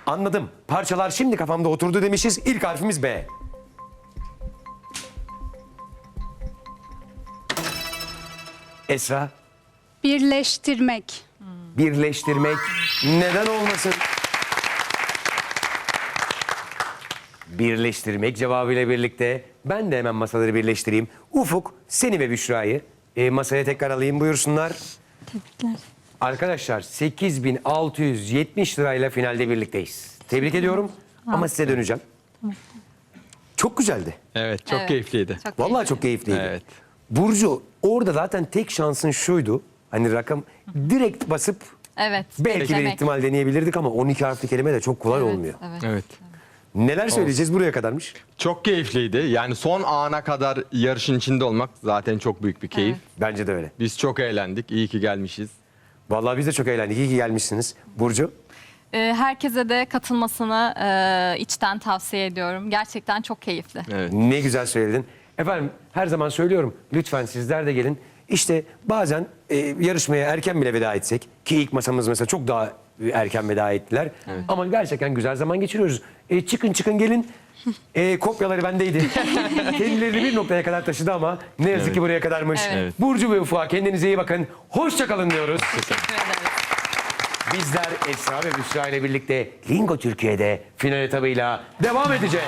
Anladım. Parçalar şimdi kafamda oturdu demişiz. İlk harfimiz B. Esra, Birleştirmek. birleştirmek neden olmasın? Birleştirmek cevabıyla birlikte ben de hemen masaları birleştireyim. Ufuk, seni ve Büşra'yı masaya tekrar alayım, buyursunlar. Tebrikler. Arkadaşlar 8.670 lirayla finalde birlikteyiz. Tebrik ediyorum ama size döneceğim. Çok güzeldi. Evet, çok Evet. keyifliydi. Çok Vallahi keyifli. çok keyifliydi. Evet. Burcu, orada zaten tek şansın şuydu. Hani rakam direkt basıp Evet. belki bir beklemek. ihtimal deneyebilirdik ama 12 harfli kelime de çok kolay Evet, olmuyor. Evet. Evet. Neler söyleyeceğiz buraya kadarmış? Çok keyifliydi. Yani son ana kadar yarışın içinde olmak zaten çok büyük bir keyif. Bence de öyle. Biz çok eğlendik. İyi ki gelmişiz. Vallahi biz de çok eğlendik. İyi ki gelmişsiniz. Burcu, Herkese de katılmasını içten tavsiye ediyorum. Gerçekten çok keyifli. Evet. ne güzel söyledin. Efendim her zaman söylüyorum. Lütfen sizler de gelin. İşte bazen yarışmaya erken bile veda etsek ki ilk masamız mesela çok daha erken veda ettiler. Ama gerçekten güzel zaman geçiriyoruz. Çıkın gelin. Kopyaları bendeydi. Kendilerini bir noktaya kadar taşıdı ama ne yazık ki buraya kadarmış. Evet. Burcu ve Ufuk'a kendinize iyi bakın. Hoşça kalın diyoruz. Teşekkür ederiz. Bizler Esra ve Büşra ile birlikte Lingo Türkiye'de final etabıyla devam edeceğiz.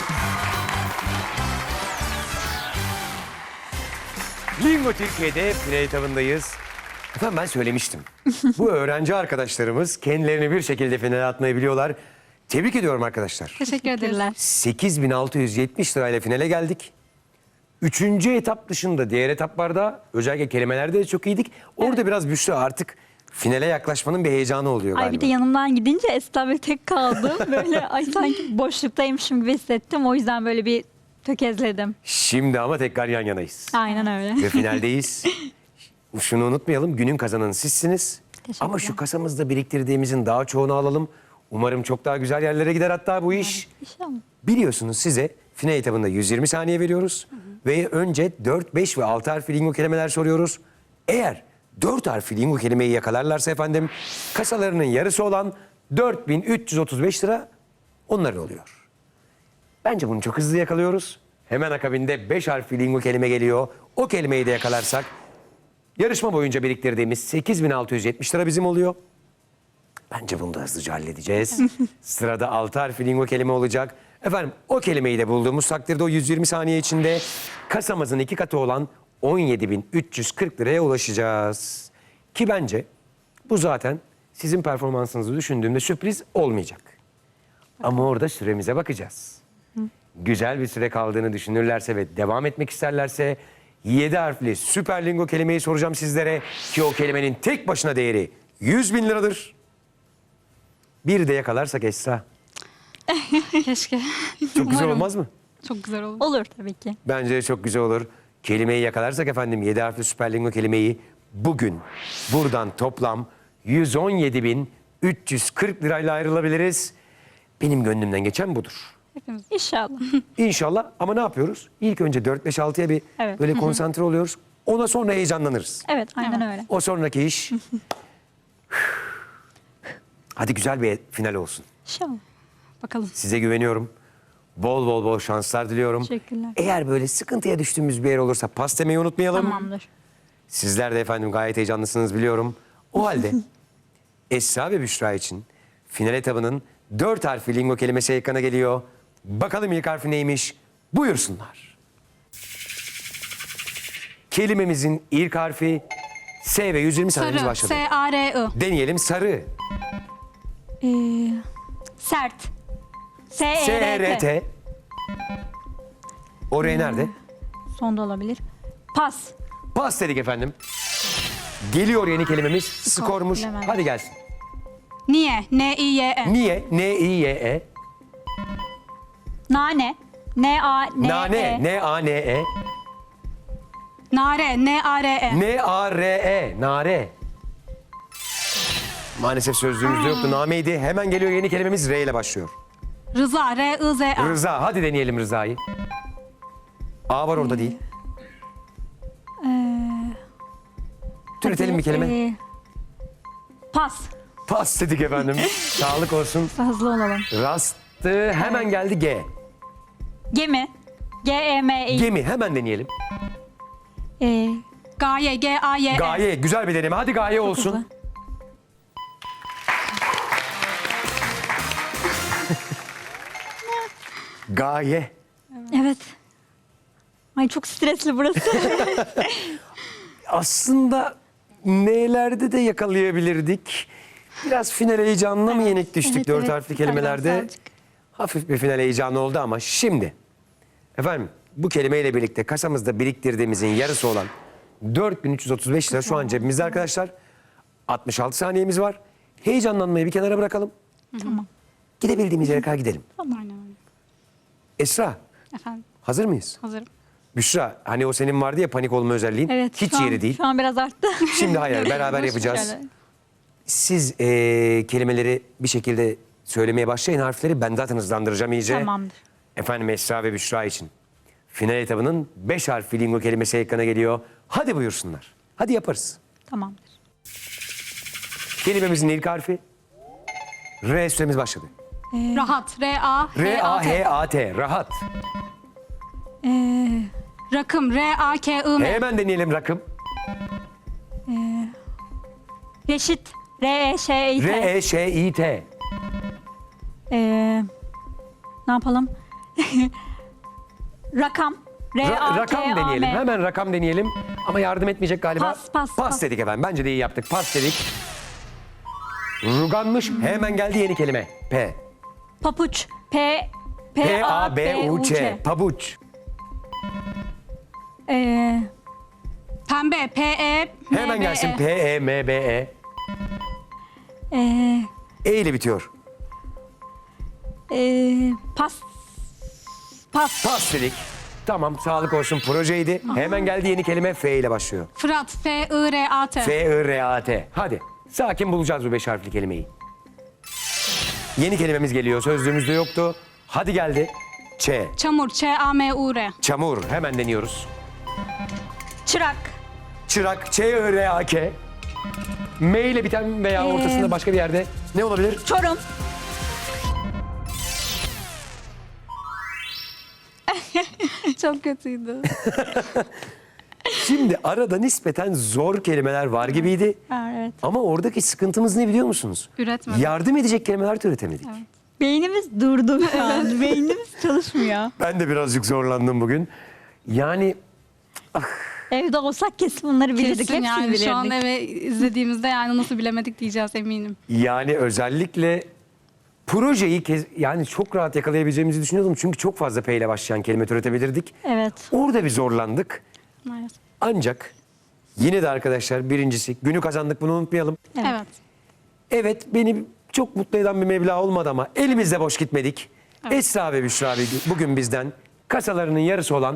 Lingo Türkiye'de final etabındayız. Efendim ben söylemiştim. Bu öğrenci arkadaşlarımız kendilerini bir şekilde finale atmayı biliyorlar. Tebrik ediyorum arkadaşlar. Teşekkür ederiz. 8.670 lirayla finale geldik. Üçüncü etap dışında diğer etaplarda özellikle kelimelerde de çok iyiydik. Orada biraz Büşra artık finale yaklaşmanın bir heyecanı oluyor galiba. Ay bir de yanımdan gidince Esra böyle tek kaldım. Böyle ay sanki boşluktaymışım gibi hissettim. O yüzden böyle bir tökezledim. Şimdi ama tekrar yan yanayız. Aynen öyle. Ve finaldeyiz. Şunu unutmayalım, günün kazananı sizsiniz. Teşekkürler. Ama şu kasamızda biriktirdiğimizin daha çoğunu alalım. Umarım çok daha güzel yerlere gider hatta bu iş. İnşallah. Biliyorsunuz size final etabında 120 saniye veriyoruz. Ve önce 4, 5 ve 6 harfli lingo kelimeler soruyoruz. Eğer 4 harfli lingo kelimeyi yakalarlarsa efendim kasalarının yarısı olan 4.335 lira onların oluyor. Bence bunu çok hızlı yakalıyoruz. Hemen akabinde 5 harfli lingo kelime geliyor. O kelimeyi de yakalarsak yarışma boyunca biriktirdiğimiz 8.670 lira bizim oluyor. Bence bunu da hızlıca halledeceğiz. Sırada 6 harfli lingo kelime olacak. Efendim o kelimeyi de bulduğumuz takdirde o 120 saniye içinde kasamızın 2 katı olan 17.340 liraya ulaşacağız. Ki bence bu zaten sizin performansınızı düşündüğümde sürpriz olmayacak. Ama orada süremize bakacağız. Güzel bir süre kaldığını düşünürlerse ve devam etmek isterlerse 7 harfli süper lingo kelimeyi soracağım sizlere. Ki o kelimenin tek başına değeri 100.000 liradır. Bir de yakalarsak Esra. Keşke. Çok güzel Umarım. olmaz mı? Çok güzel olur. Olur tabii ki. Bence de çok güzel olur. Kelimeyi yakalarsak efendim 7 harfli süper lingo kelimeyi bugün buradan toplam 117.340 lirayla ayrılabiliriz. Benim gönlümden geçen budur. Hepimiz. İnşallah. İnşallah ama ne yapıyoruz? İlk önce 4-5-6'ya bir Evet. böyle konsantre oluyoruz. Ona sonra heyecanlanırız. Evet aynen öyle. O sonraki iş... Hadi güzel bir final olsun. İnşallah. Bakalım. Size güveniyorum. Bol şanslar diliyorum. Teşekkürler. Eğer böyle sıkıntıya düştüğümüz bir yer olursa pas demeyi unutmayalım. Tamamdır. Sizler de efendim gayet heyecanlısınız biliyorum. O halde Esra ve Büşra için final etabının 4 harfli lingo kelimesi ekrana geliyor. Bakalım ilk harfi neymiş? Buyursunlar. Kelimemizin ilk harfi S ve 120 saniyemiz Sarı. başladı. S-A-R-I. Deneyelim sarı. Sert. S-R-T. S-E-R-T. Oraya nerede? Sonda olabilir. Pas. Pas dedik efendim. Geliyor yeni kelimemiz. Skormuş. bilemedim. Hadi gelsin. Niye? N-I-Y-E. Niye? N-I-Y-E. Nane. N-A-N-E. Nane. N-A-N-E. Nare. N-A-R-E. N-A-R-E. Nare. Maalesef sözlüğümüzde yoktu. Nameydi. Hemen geliyor yeni kelimemiz R ile başlıyor. Rıza. R-I-Z-A. Rıza. Hadi deneyelim Rıza'yı. A var orada değil. Türetelim bir kelime. Pas. Pas dedik efendim. Sağlık olsun. Hızlı olalım. Rastı hemen geldi G. Gemi. G-E-M-I. Gemi hemen deneyelim. Gaye. G-A-Y-E. Gaye güzel bir deneme. Hadi gaye olsun. hızlı. Gaye. Evet. Ay çok stresli burası. Aslında nelerde de yakalayabilirdik. Biraz final heyecanına mı yenik düştük Evet, dört evet. harfli kelimelerde? Birazcık. Hafif bir final heyecanı oldu ama şimdi efendim bu kelimeyle birlikte kasamızda biriktirdiğimizin yarısı olan 4335 lira şu an cebimizde arkadaşlar. 66 saniyemiz var. Heyecanlanmayı bir kenara bırakalım. Tamam. Gidebildiğimiz yere kadar gidelim. Aynen öyle. Esra Efendim, hazır mıyız? hazırım. Büşra hani o senin vardı ya panik olma özelliğin. Evet. Hiç şu an- yeri değil. Şu an biraz arttı. Şimdi hayır beraber yapacağız. Şöyle. Siz kelimeleri bir şekilde söylemeye başlayın harfleri. Ben zaten hızlandıracağım iyice. Tamamdır. Efendim Esra ve Büşra için. Final etabının 5 harfli lingo kelimesi ekrana geliyor. Hadi buyursunlar. Hadi yaparız. Tamamdır. Kelimemizin ilk harfi. R süremiz başladı. Rahat. R-A-H-A-T. R-A-H-A-T. Rahat. Rakım. R-A-K-I-M. Hemen deneyelim rakım. Reşit. R-E-Ş-İ-T. R-E-Ş-İ-T. Ne yapalım? Rakam. Rakam deneyelim. Hemen rakam deneyelim. Ama yardım etmeyecek galiba. Pas. Dedik efendim. Bence de iyi yaptık. Pas dedik. Ruganmış. Hemen geldi yeni kelime. P. Papuç. P-A-B-U-Ç. Pabuç. Pembe. P-E-M-B-E. Hemen gelsin. P-E-M-B-E. E ile bitiyor. Pas. Pas dedik. Tamam sağlık olsun projeydi. Hemen geldi yeni kelime F ile başlıyor. Fırat. F-I-R-A-T. F-I-R-A-T. Hadi sakin bulacağız bu 5 harfli kelimeyi. Yeni kelimemiz geliyor. Sözlüğümüzde yoktu. Hadi geldi. Ç. Çamur. Ç-A-M-U-R. Çamur. Hemen deniyoruz. Çırak. Çırak. Ç-I-R-A-K. M ile biten veya ortasında başka bir yerde ne olabilir? Çorum. Çok kötüydü. Şimdi arada nispeten zor kelimeler var gibiydi. Evet. Ama oradaki sıkıntımız ne biliyor musunuz? Üretmedim. Yardım edecek kelimeler üretemedik. Beynimiz durdu şu an. Beynimiz çalışmıyor. Ben de birazcık zorlandım bugün. Yani Evde olsak kesin bunları bilirdik. Kesin Hepsini yani bilirdik. şu an eve izlediğimizde yani nasıl bilemedik diyeceğiz eminim. özellikle projeyi yani çok rahat yakalayabileceğimizi düşünüyordum. Çünkü çok fazla P ile başlayan kelime türetebilirdik. Evet. Orada bir zorlandık. Maalesef. Ancak yine de arkadaşlar birincisi günü kazandık bunu unutmayalım. Evet. Evet beni çok mutlu eden bir meblağ olmadı ama elimizde boş gitmedik. Esra ve Büşra bugün bizden kasalarının yarısı olan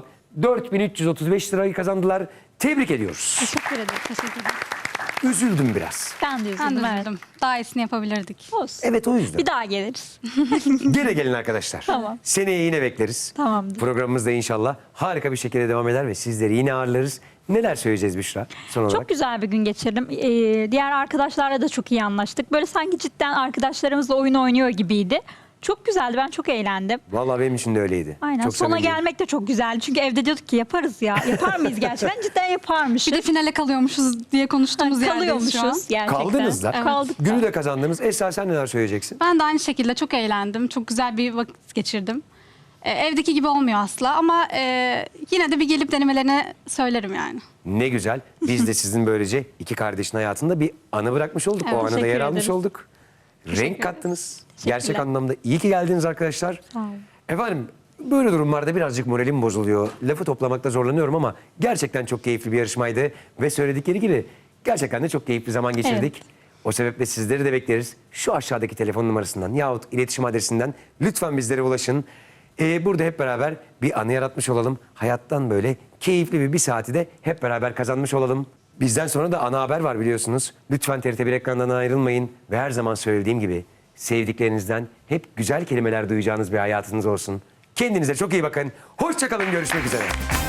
4335 lirayı kazandılar. Tebrik ediyoruz. Teşekkür ederim. Teşekkür ederim. Üzüldüm biraz. Ben de Ben de üzüldüm. Evet. üzüldüm. Daha iyisini yapabilirdik. Olsun. Evet o yüzden. Bir daha geliriz. Gene gelin arkadaşlar. Tamam. Seneye yine bekleriz. Tamamdır. Programımız da inşallah harika bir şekilde devam eder ve sizleri yine ağırlarız. Neler söyleyeceğiz Büşra son olarak? Çok güzel bir gün geçirdim. Diğer arkadaşlarla da çok iyi anlaştık. Böyle sanki cidden arkadaşlarımızla oyun oynuyor gibiydi. Çok güzeldi. Ben çok eğlendim. Vallahi benim için de öyleydi. Aynen. Çok Sona samimiyim. gelmek de çok güzeldi. Çünkü evde diyorduk ki yaparız ya. Yapar mıyız gerçekten? Cidden yaparmışız. Bir de finale kalıyormuşuz diye konuştuğumuz yerdeyiz şu an. kalıyormuşuz gerçekten. Kaldınız da. Kaldık. Günü de kazandınız. Esra sen neler söyleyeceksin? Ben de aynı şekilde çok eğlendim. Çok güzel bir vakit geçirdim. Evdeki gibi olmuyor asla ama yine de bir gelip denemelerini söylerim yani. Ne güzel. Biz de sizin böylece iki kardeşin hayatında bir anı bırakmış olduk. Evet, O anıda teşekkür yer almış ederiz. olduk. Renk kattınız. Gerçek Teşekkürler. anlamda iyi ki geldiniz arkadaşlar. Sağ olun. Efendim böyle durumlarda birazcık moralim bozuluyor. Lafı toplamakta zorlanıyorum ama gerçekten çok keyifli bir yarışmaydı. Ve söyledikleri gibi gerçekten de çok keyifli zaman geçirdik. O sebeple sizleri de bekleriz. Şu aşağıdaki telefon numarasından yahut iletişim adresinden lütfen bizlere ulaşın. Burada hep beraber bir anı yaratmış olalım. Hayattan böyle keyifli bir saati de hep beraber kazanmış olalım. Bizden sonra da ana haber var biliyorsunuz. Lütfen TRT1 ekranından ayrılmayın. Ve her zaman söylediğim gibi sevdiklerinizden hep güzel kelimeler duyacağınız bir hayatınız olsun. Kendinize çok iyi bakın. Hoşça kalın. Görüşmek üzere.